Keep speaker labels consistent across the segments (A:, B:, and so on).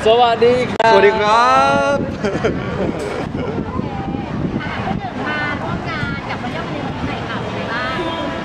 A: สวัสดีครับ
B: สวัสดีครับ
C: มาร่วมงานกับวันยอดเรียนไหนค่ะเป็นไงบ้าง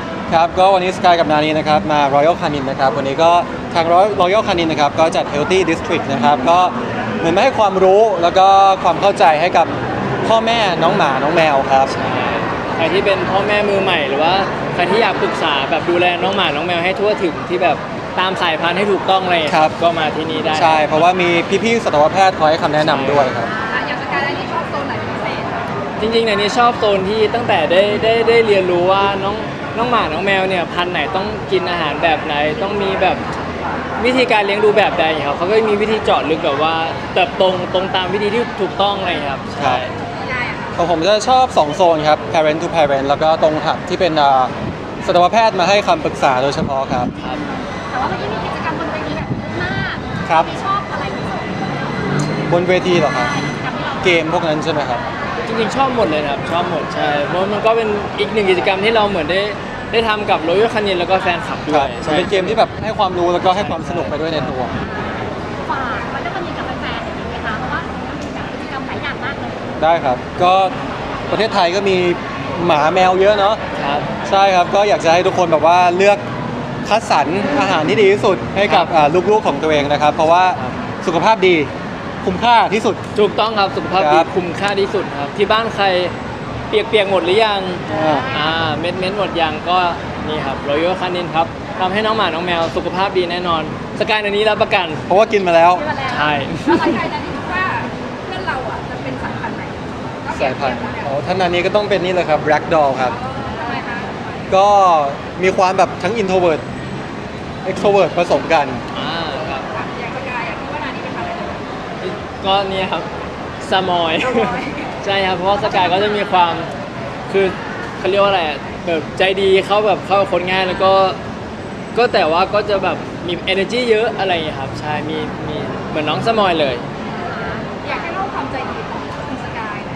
B: ครับก็วันนี้สกายกับนานีนะครับมา Royal Canin นะครับวันนี้ก็ทาง Royal Canin นะครับก็จัด Healthy District นะครับก็เหมือนมาให้ความรู้แล้วก็ความเข้าใจให้กับพ่อแม่น้องหมาน้องแมวครับ
A: ใครที่เป็นพ่อแม่มือใหม่หรือว่าใครที่อยากปรึกษาแบบดูแลน้องหมาน้องแมวให้ทั่วถึงที่แบบตามสายพันธุ์ให้ถูกต้องอะไรอย่างเงี้ย
B: ครับ
A: ก็มาที่นี่ได้
B: ใช่เพราะว่ามีพี่ๆสัตวแพทย์คอยให้คำแนะนำด้วยครับ
C: อย่างสกายนี่ชอบโซนไหนเป็นพิเศษ
A: จริงๆในนี้ชอบโซนที่ตั้งแต่ได้เรียนรู้ว่าน้องหมาน้องแมวเนี่ยพันธุ์ไหนต้องกินอาหารแบบไหนต้องมีแบบวิธีการเลี้ยงดูแบบใดครับเขาก็มีวิธีเจาะลึกแบบว่าแบบตรงตามวิธีที่ถูกต้องอะไรอย่างเลยครับใช่
C: ได้อะ
B: ของผมจะชอบ 2 โซนครับ parent to parent แล้วก็ตรงถัดที่เป็นสัตวแพทย์มาให้คำปรึกษาโดยเฉพาะครับ
A: ครับ
C: แต่ว่าเมื่อกี้มีกิจกรรมบนเวทีแบบเยอะมาก
B: ครับ
C: ที่ชอบอะไรที่สุด
B: บนเวทีเหรอครับ
C: กิจกรรมที่เรา
B: เกมพวกนั้นใช่ไหมครับ
A: จริงๆชอบหมดเลยนะครับชอบหมดใช่เพราะมันก็เป็นอีกหนึ่งกิจกรรมที่เราเหมือนได้ทำกับ Royal Canin แล้วก็แฟนคลับด้
B: ค
A: ว
B: รั
A: ย
B: บมัน
A: ใช่
B: เป็นเกมที่แบบให้ความรู้แล้วก็ให้ความสนุกไปด้วยในตัว
C: ฝากมันจะมีกับแฟนๆอย่างนี้ไหมคะเพราะว่ามันมีแบบกิจกรรมหลายอย่างมากเลย
B: ได้ครับ ก็ประเทศไทยก็มีหมาแมวเยอะเนาะ
A: ครับ
B: ใช่ครับ ก็อยากจะให้ทุกคนแบบว่าเลือกคัดสรรอาหารที่ดีที่สุดให้กับลูกๆของตัวเองนะครับ เพราะว่า
A: ครับ
B: สุขภาพดีคุ้มค่าที่สุด
A: ถูกต้องครับสุขภาพ
B: ค
A: ดี
B: รับ
A: คุ้มค่าที่สุดครับที่บ้านใครเปียกหมดหรือยัง
B: อ่า
A: เม็ดหมดยังก็นี่ครับ Royal Canin ครับทำให้น้องหมาน้องแมวสุขภาพดีแน่นอนสกายในนี้รับประกัน
B: เพราะว่ากินมาแล้ว
C: ที่มาแล้ว
A: ใช่
C: แล้วสกายนั้นคิดว่าเพื่อนเราอ่ะจะเป็นสายพันธุ์ไหน
B: สายพันธุ์ท่านนานี้ก็ต้องเป็นนี่เลยครับ Black Doll ครับ
C: ทำไมคะ
B: ก็มีความแบบทั้ง introvert extrovert ผสมกัน
A: ครับ
C: อย่างสกายคิดว่านานี่เป็นพันธุ์อะไร
A: ก็เนี่ยครับสมอย
C: สมอย
A: ใช่ครับเพราะว่าสกายก็จะมีความคือเขาเรียกว่าอะไรอะแบบใจดีเขาแบบเข้ากับคนง่ายแล้วก็แต่ว่าก็จะแบบมี energy เยอะอะไรอย่างเงี้ยครับใช่มีเหมือนน้องสมอยเลย
C: อยากให้เล่าความใจดีของคุณสกายหน่อย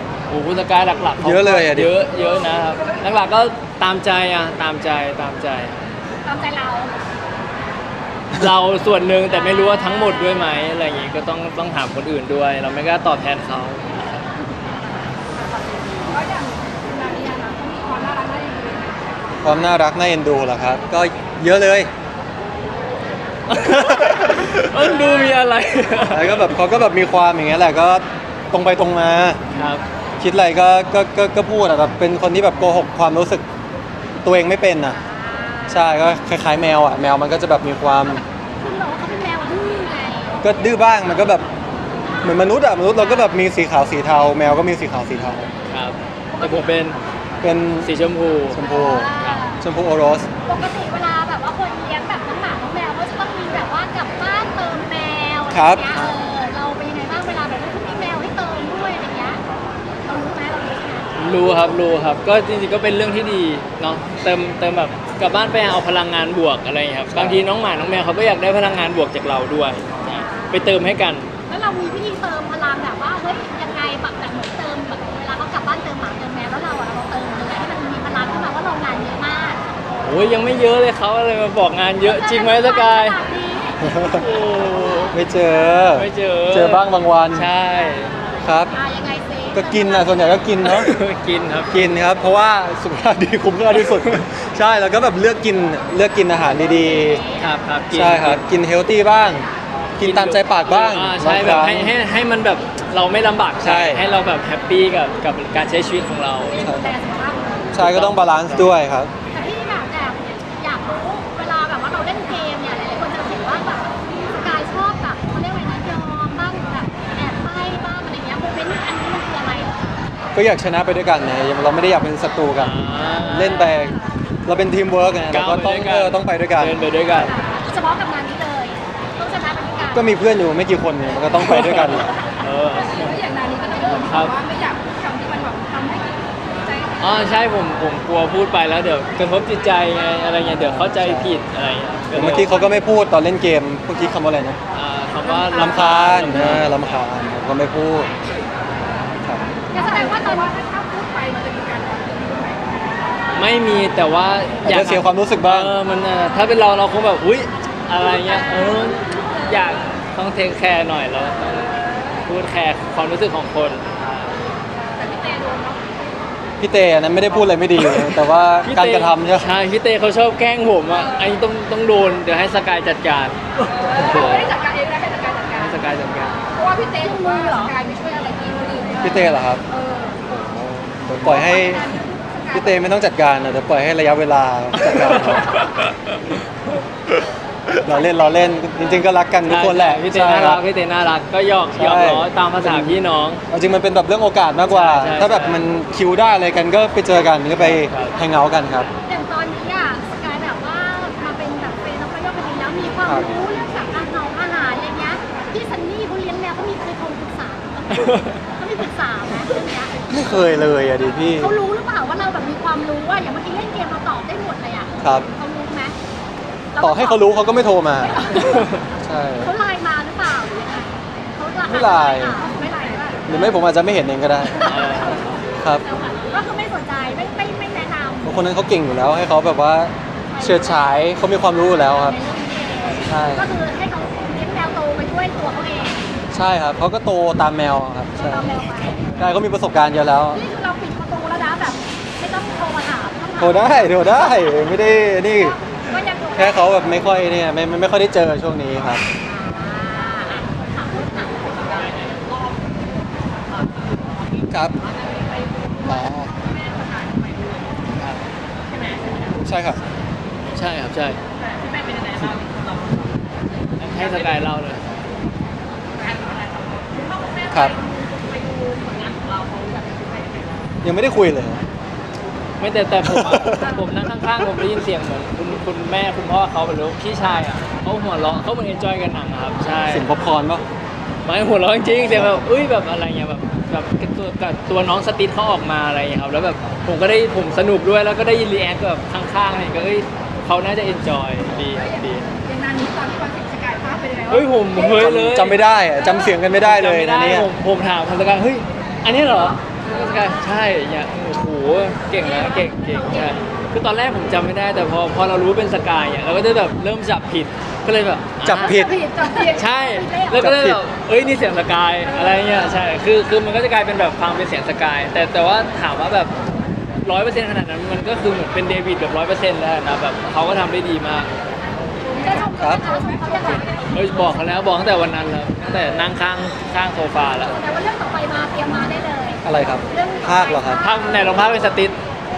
A: โอ้โหสกายหลักๆขา
B: เยอะเลยอะดิ
A: เยอะนะครับหลักๆก็ตามใจตามใจ
C: ตามใจเรา
A: เราส่วนหนึ่งแต่ไม่รู้ว่าทั้งหมดด้วยไหมอะไรอย่างงี้ก็ต้องถามคนอื่นด้วย เราไม่กล้าตอบแทนเขา
C: ก็อย่างคุณนานี่นะเขามีความน่ารักน่าเอ็นดู
B: ความน่ารักน่าเอ็นดูเหรอครับ ก็เยอะเลย
A: ดูมีอะไร
B: แล้วก็แบบเขาก็แบบมีความอย่างเงี้ยแหละก็ตรงไปตรงมา
A: ครับ
B: คิดอะไรก็พูดอะแบบเป็นคนที่แบบโกหกความรู้สึกตัวเองไม่เป็นอ่ะ ใช่ก็คล้ายๆแมวอ่ะแมวมันก็จะแบบมีความ
C: คุณบอกว่าเขาเป็นแมวดื้อไง
B: ก็ดื้อบ้างมันก็แบบเหมือนมนุษย์อ่ะมนุษย์เราก็แบบมีสีขาวสีเทา แมวก็มีสีขาวสีเทา
A: ครับแต่ผมเป็น
B: เป็น
A: สีชมพู
B: ชมพูชมพูโอโรส
C: ปกติเวลาแบบว่าคนเลี้ยงแบบน้องหมาน้องแมวก็จะต้องมีแบบว่ากลับบ้านเติมแมวอะไรอย่างเงี้ยเราเป็นยังไงบ้างเวลาแบบว่าเขามีแมวให้เติมด้วยอะไรเงี้ยเรารู้ไหมเรารู้ใช่ไหม
A: รู้ครับก็จริงๆก็เป็นเรื่องที่ดีเนาะเติมแบบกลับบ้านไปเอาพลังงานบวกอะไรอย่างเงี้ยครับบางทีน้องหมาน้องแมวเขาก็อยากได้พลังงานบวกจากเราด้วยนะไปเติมให้กัน
C: แล้วเรามีวิธีเติมพลังแบบว่าเฮ้ยยังไงแบบเหมือนเติมแบบเวลาเขากลับบ้านเติมหมาเติมแมวแล้วเราเติมยังไงให้มันมีพลังขึ้นมาว่าเรางานเยอะมาก
A: โอ้ยยังไม่เยอะเลยเขาอะไรมาบอกงานเยอะจริงไหมสกายโอ้
B: ไม่เจอ
A: ไม่เจอ
B: เจอบ้างบางวัน
A: ใช่
B: ครับ
C: ยังไงซิ
B: ก็กินอ่ะส่วนใหญ่ก็กินเนาะ
A: กินครับ
B: กินครับ เพราะว่าสุขภาพดีคุ้มค่าที่สุด ใช่แล้วก็แบบเลือกกินอาหารดี
A: ครับกิ
B: ๆ
A: น
B: ใช่ครับ กินเฮลตี้บ้าง กินตามใจปากบ้าง
A: ใช่แบบ
B: างครั้ง
A: ให้มันแบบเราไม่ลำบาก
B: ใช่
A: ให้เราแบบแฮปปี้กับการใช้ชีวิตของเรา
C: ดูแลสุขภาพ
B: ใช่ก็ต้องบาลานซ์ด้วยครับ
C: แต่พี่แบบอยากรู้เวลาแบบว่าเราเล่นเกมเนี่ยหลายๆคนจะเห็นว่าแบบสกายชอบแบบเขาเรียกว่าอะไรนะยอมบ้างแบบแอบไล่บ้างอะไรเงี้ยโมเมนต์อันนี้มันคืออะไรเหรอ
B: ก็อยากชนะไปด้วยกันนะเราไม่ได้อยากเป็นศัตรูกัน เล่นไปเราเป็นทีมเวิร์กไงเราก็ต้องไปด้วยกัน
A: เดินไปด้วยกัน
C: เฉพาะกับงานนี้เลยต้องชนะไปด้วยกัน
B: ก็มีเพื่อนอยู่ไม่กี่คนเนี่ยมันก็ต้องไปด้วยกัน
A: เออ
C: แล้วอย่างนานี้ก็ต้อง
A: ครับ
C: ว่าไม่อยากพูดคำที่มันแบบทำให้ใจ
A: ใช่ผมกลัวพูดไปแล้วเดี๋ยวกระทบจิตใจไงอะไรเงี้ยเดี๋ยวเข้าใจผิดอะไรเงี้ย
B: เมื่อกี้เขาก็ไม่พูดตอนเล่นเกมเมื่อกี้คำว่าอะไรนะ
A: คำว่า
B: ลำคาญลำคาญผมก็ไม่พูดครับ
C: แสดงว่าตอนว่าถ้าพูดไปมันจะมีการต่อสู้ไหม
A: ไม่มีแต่ว่า
B: อาจจะเสียความรู้สึกบ้าง
A: มันถ้าเป็นเราคงแบบอุ๊ยอะไรเงี้ยอยากต้องเทคแคร์หน่อยแล้วต้องพูดแคร์ความรู้สึกของคน
C: แต่พี่เตโดนเนาะ
B: พี่เตอันนั้นไม่ได้พูดอะไรไม่ดีเลยแต่ว่าการกระทำใช่ไหม
A: ใช่พี่เต้เขาชอบแกล้งผมอ่ะอันนี้ต้องโดนเดี๋ยวให้สกายจัดการ
C: ไม่ได้จัดการเองนะให้จัดการจัดการ
A: ให้สกายจัดการ
C: เพราะว่าพี่เต้มือเหรอกายไม่ช่วยอะไรพี่คนอื่นเลย
B: พี่เตเหรอครับ
C: เออ
B: เดี๋ยวปล่อยให้พี่เตไม่ต้องจัดการนะเดี๋ยวปล่อยให้ระยะเวลาจัดการเอาเราเล่นจริงๆก็รักกันทุกคนแหละ
A: พี่เต้
B: ใช่
A: น่า
B: ค
A: รั
B: รั
A: ก
B: บ
A: พี่เต้น่ารักก็หยอก
B: ใช่
A: ล้อตามภาษาพี่น้อง
B: เอาจริงมันเป็นแบบเรื่องโอกาสมากกว่า
A: ใช่
B: ถ้าแบบมันคิวได้อะไรกันก็ไปเจอกันก็ไป
A: ครับ
B: แฮงเอาท์กันครับ
C: อย่างตอนนี้อ่ะสกายแบบว่ามาเป็นแบบเป็นนักประโยชน์คดีแล้วมีความรู้เรื่องแบบอาหารอะไรเงี้ยพี่ซันนี่เขาเลี้ยงแมวเขามีเคยโทรปรึกษาเขามีปรึกษาไหมเรื่องเนี้ย
B: ไม่เคยเลยอ่ะดิพี่
C: เขารู้หรือเปล่าว่าเราแบบมีความรู้ว่าอย่างเมื่อกี้เล่นเกมเราตอบได้หมดเลยอ่ะ
B: ครับ
C: เขารู้ไหม
B: ต่อให้เขารู้เขาก็ไม่โทรมา ใช่
C: เขาไลน์มาหรือเปล่าหรือยังไงเขา
B: ไม่ไลน์
C: ไม่ไลน์ด้วย
B: หรือไม่ผมอาจจะไม่เห็นเองก็ได้ ครับ
C: ก็คือไม่สนใจไม่แนะนำ
B: บางคนนั้นเขาเก่งอยู่แล้วให้เขาแบบว่าเฉิดฉายเขามีความรู้อยู่แล้วครับ ใช่
C: ก็คือให้เขาเลี้ยงแมวโตไปด้วยตัวเขาเอง
B: ใช่ครับเขาก็โตตามแมวครับใช่
C: ตามแมวไป
B: ใช่เขามีประสบการณ์เยอะแล้ว
C: นี่คือเราปิดประตูแล้วนะแบบไม่ต้องโทรมาถาม
B: โทรได้ไม่ได้นี่
C: ก็ยังโทร
B: แค่เขาแบบไม่ค่อยเนี่ยไม่ค่อยได้เจอช่วงนี้ครับ ครับอ๋อใช่ครับ
A: ใช่ครับใช่ให้สกายเล่าเลย
B: ครับ ยังไม่ได้คุยเลย
A: ไม่แต่ผมอะผมนั่งข้างๆผมได้ยินเสียงเหมือนคุณแม่คุณพ่อเขาหรือพี่ชายอ่ะเขาหัวเราะเขาเหมือนเอนจอยกันหนังอะครับใช่
B: เสียงป๊อปคอร์นป่ะ
A: ไม่หัวเราะจริงๆเสียงแบบอุ้ยแบบอะไรเงี้ยแบบกับตัวน้องสติ๊ดเขาออกมาอะไรเงี้ยครับแล้วแบบผมสนุกด้วยแล้วก็ได้ยินรีแอคแบบข้างๆอะไรก็เขาน่าจะเอนจอยดีครับดี
C: อย่างนั้นนี้ตอนที่วันสิบสกายภาพเป็นยังไง
A: เฮ้ยผมเฮ้ยเลย
B: จำไม่ได้อะจำเสียงกันไม่ได้เลย
A: จำม่
B: นะเนี่ย
A: ผมถามพันธการเฮ้ยอันนี้เหรอสกายใช่เนี่ยโอ้โหเก่งแล้วเก่งใช่คือตอนแรกผมจำไม่ได้แต่พอเรารู้เป็นสกายเนี่ยเราก็จะแบบเริ่มจับผิดก็เลยแบบ
B: จับผิด
C: จับผิด
A: ใช่แล้วก็เลยแบบเอ้ยนี่เสียงสกายอะไรเงี้ยใช่คือมันก็จะกลายเป็นแบบฟังเป็นเสียงสกายแต่ว่าถามว่าแบบ100%ขนาดนั้นมันก็คือเหมือนเป็นเดวิดแบบ100%แล้วนะแบบเขาก็ทำได้ดีมาก
C: จะชมเขานะคะชมเขายังไง
A: เฮ้ยบอกเขาแล้วบอกตั้งแต่วันนั้นแล้วตั้งแต่นั่งข้างโซฟาแล้ว
C: แต่ว่าเรื่องต่อไปมาเตรียมมาได้เลย
B: อะไรครับ ภาคเหรอครับ
A: ภาพไหนลองภาพเป็นสติ๊ด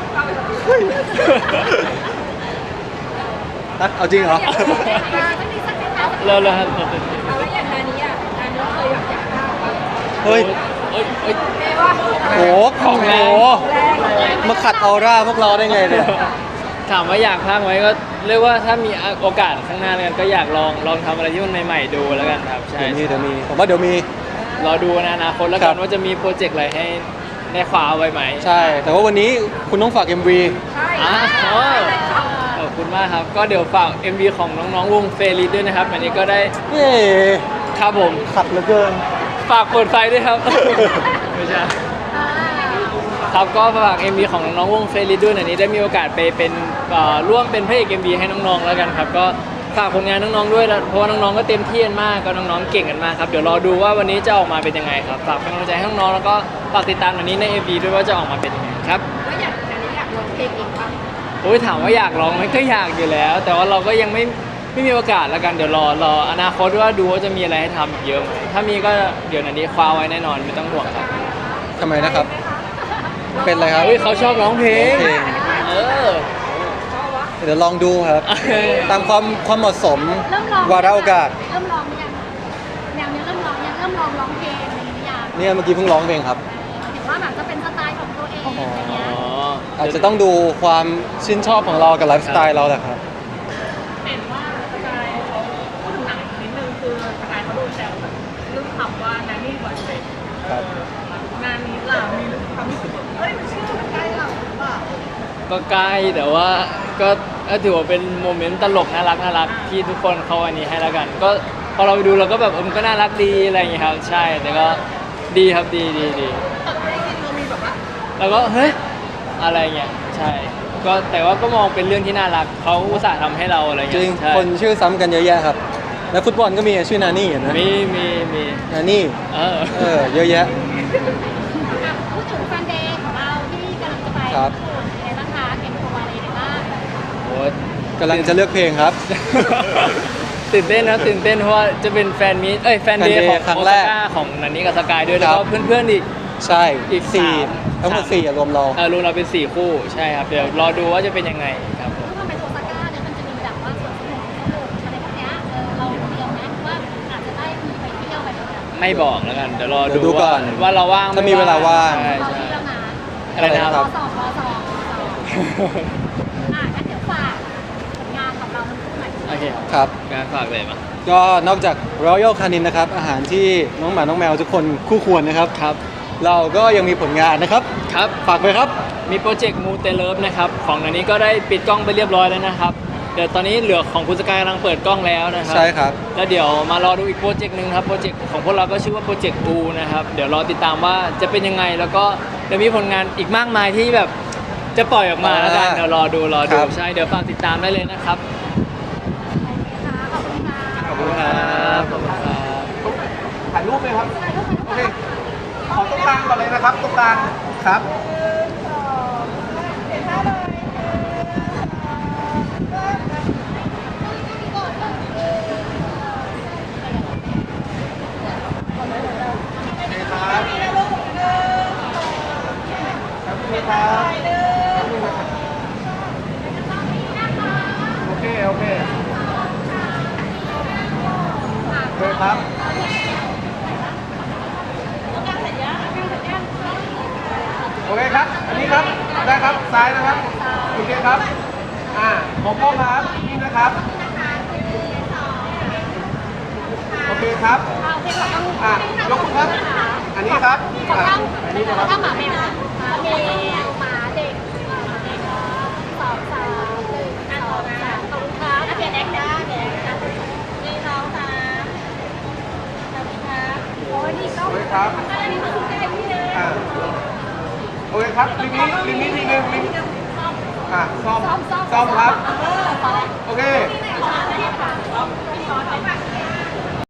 B: เอาจริงเหรอ
C: ไม่มีสักนิดนะ
A: เลยครับ
C: เอาไว้อย่างนี้อ่ะอันนี้เคยอยากได้
B: เฮ้ย
A: เอ้ย
C: เรียกว่า
B: โหมาขัดออร่าพวกเราได้ไงเนี่ย
A: ถามว่าอยากพากไหมก็เรียกว่าถ้ามีโอกาสข้างหน้าแล้วกันก็อยากลองทำอะไรที่มันใหม่ๆดูแล้วกันครับใช่
B: เดี๋ยวมีผมว่าเดี๋ยวมี
A: รอดูในอนาคตแล้ว
B: ครั
A: กัน
B: บ
A: ว่าจะมีโปรเจกต์อะไรให้ได้คว้าเอาไว้ไหม
B: ใช่ แต่ว่าวันนี้คุณต้องฝาก MV
C: ใช่
A: อ๋อขอบคุณมากครับ ก็เดี๋ยวฝาก MV ของน้องๆวงเฟริสด้วยนะครับ อันนี้ก็ได้
B: เย้
A: ครับผม
B: ขัดเหลือเกิน
A: ฝากเปิดไฟด้วยครับ ไม่ใช่ครับก็ฝาก MV ของน้องๆวงเฟริสด้วยอันนี้ได้มีโอกาสไปเป็นร่วมเป็นพระเอก MV ให้น้องๆแล้วกันครับก็ฝากผลงานน้องๆด้วยนะเพราะว่าน้องๆก็เต็มที่กันมากก็น้องๆเก่งกันมากครับเดี๋ยวรอดูว่าวันนี้จะออกมาเป็นยังไงครับฝากเป็นกำลังใจให้น้องๆแล้วก็ฝากติดตามวันนี้ใน MV ด้วยว่าจะออกมาเป็นยังไงครับ
C: แล้วอย่างนี้อยากร้องเพลงเองป่ะ
A: โอ้ยถามว่าอยากร้องไหมก็อยากอยู่แล้ว แต่ว่าเราก็ยังไม่มีโอกาสแล้วกันเดี๋ยวรออนาคตว่าดูว่าจะมีอะไรให้ทำอีกเยอะไหมถ้ามีก็เดี๋ยวนันนี้คว้าไว้แน่นอนไม่ต้องห่วงครับ
B: ทำไมนะครับ เป็นอะไรครับ
A: เฮ้ยเขาชอบร้องเพลง
B: เพลง
A: เออ
B: เดี๋ยวลองดูครับ ตามความเหมาะสม
C: เริ่มร้อง
B: วาระโอกาส
C: เริ่มร้องยังแนวนี้เริ่มร้องยังเริ่มร้องเพลงอะไรอย่างเงี้ย
B: เนี่ยเมื่อกี้เพิ่งร้องเพลงครับ
C: เห็นว่าแบบจะเป็นสไตล์ของตัวเองอะไรเงี้ย
A: อ๋อ
B: อาจจะต้องดูความชื่นชอบของเรากับไลฟ์สไตล์เราแหละครับ
D: เห็นว่าสกายเขาพูดถึงหนังอีกนิดนึงคือสกายเขาโดนแซวแบบเรื่องคำว่านานี่บอยเฟรนด์
B: ครับ
D: งานนี้ล่ะมีความรู้สึกแบบเฮ้ยมันชื่อมันใกล้เราหรือเปล่า
A: ก็ใกล้แต่ว่าก็ถือว่าเป็นโมเมนต์ตลกน่ารักที่ทุกคนเขาอันนี้ให้แล้วกัน ก็พอเราไปดูเราก็แบบมันก็น่ารักดีอะไรอย่างเงี้ยครับใช่แต่ก็ดีครับดี
D: แต่ไม่ได้ยินเรามีแบบว่า
A: แล้วก็เฮ้ยอะไรเงี้ยใช่ก็แต่ว่าก็มองเป็นเรื่องที่น่ารักเขาอุตส่าห์ทำให้เราอะไร
B: จ
A: เงี้
B: ริง
A: ยใช่
B: คนชื่อซ้ำกันเยอะแยะครับและฟุตบอลก็มีชื่อนานี่นะ
A: มี
B: นานี่
A: เออ
B: เยอะแยะ
C: อ่ะพูดถึงแฟนเดย์ของเราที่กำลังจะไป
B: ครับ
C: ในบ้างคะเตรียมตัวอะไรในบ้าง
A: โอ้
B: กำลังจะเลือกเพลงครับ
A: ตื่นเต้นนะตื่นเต้นเพราะว่าจะเป็นแฟนมีตแฟนเดย์
B: Fan Day
A: ของ
B: ครั้ง
A: โอ
B: แร
A: ซาก ก้าของนันนี่กับสกายด้วย
B: ค
A: แล้
B: รั
A: ว
B: บ
A: ก็เพื่อนๆอีก
B: ใช่
A: อีก
B: สี่
A: สาม
B: ทั้งหมดสี่รวมเรา
A: รวมเราเป็น4คู่ใช่ครับเดี๋ยวรอดูว่าจะเป็นยังไงครับผม
C: ซึ่งมันเป็นโอซาก้าเนี่ยมันจะมีแบบว่าสวนสนุกอะไรพวกเนี้ยเราเตรียมไหมว่าอาจจะได้มีไปเที่ยวไปแบบนั้น
A: ไม่บอกแล้วกันเดี๋ยวรอ
B: เดี๋ยวดูก่อน
A: ว่าเราว่าง
B: ถ้ามีเวลาว่าง
A: ใช่
C: ตอน
A: ใช่
C: นี้แล้วนะ
A: อะไรนะค
B: ครั
A: รับ
B: บ
C: งั้นเดี๋ยวฝากผลงานของเราทั้งคู่หน่อย
A: โอเค
B: ครับ
A: งานฝากเลยมา
B: ก็นอกจาก Royal Canin นะครับอาหารที่น้องหมาน้องแมวทุกคนคู่ควรนะครับ
A: ครับ
B: เราก็ยังมีผลงานนะครับ
A: ครับ
B: ฝากไปครับ
A: มีโปรเจกต์มูเตเลิฟนะครับของนันนี้ก็ได้ปิดกล้องไปเรียบร้อยแล้วนะครับเดี๋ยวตอนนี้เหลือของคุณสกายกำลังเปิดกล้องแล้วนะครั
B: ใช่ครับ
A: แล้วเดี๋ยวมารอดูอีกโปรเจกต์หนึ่งครับโปรเจกต์ของพวกเราก็ชื่อว่าโปรเจกต์อูนะครับเดี๋ยวรอติดตามว่าจะเป็นยังไงแล้วก็จะมีผลงานอีกมากมายที่แบบจะปล่อยออกมาแล้วกันเดี๋ยวรอดู
B: ครับ
A: ใช่เดี๋ยวฝากติดตามได้เลยนะครับ
C: ขอบคุณค่ะ
B: ขอบคุณครับ
A: ขอบคุณครับ
E: ถ่ายรูปไหมครับ โอเค ขอตรงกลางก่อนเลยนะครับ ตรงกลางครับ โอเค โอเค โอเคครับ โอเคครับ อันนี้ครับ ได้ครับ ซ้ายนะครับ โอเคครับ มองกล้องครับนี่นะครับ โอเคครับ
C: โอเคขอต้อง
E: ยกมือครับ อันนี้ครับ
C: ขอต้อง
E: อันนี้นะค
C: ขอ
E: รับ
C: ต้องหมาแมวหมาแมวหมาเด็กสองสามหนึ่งสองสามขอบคุณครับเปลี่ยนแอคนะเปลี่ยนแอคนะนี่น้องค่ะขอบคุณครับโอ้ยนี่ต้อง
E: โอเคครับ
C: อันนี้คือใกล้พี่เลย
E: โอเคครับลิมิตทีหนึ่งลิมิตซ่อม
C: ซ้อม
E: ซ่อมครับ
C: ซ้อม
E: โอเค
C: ซ้อม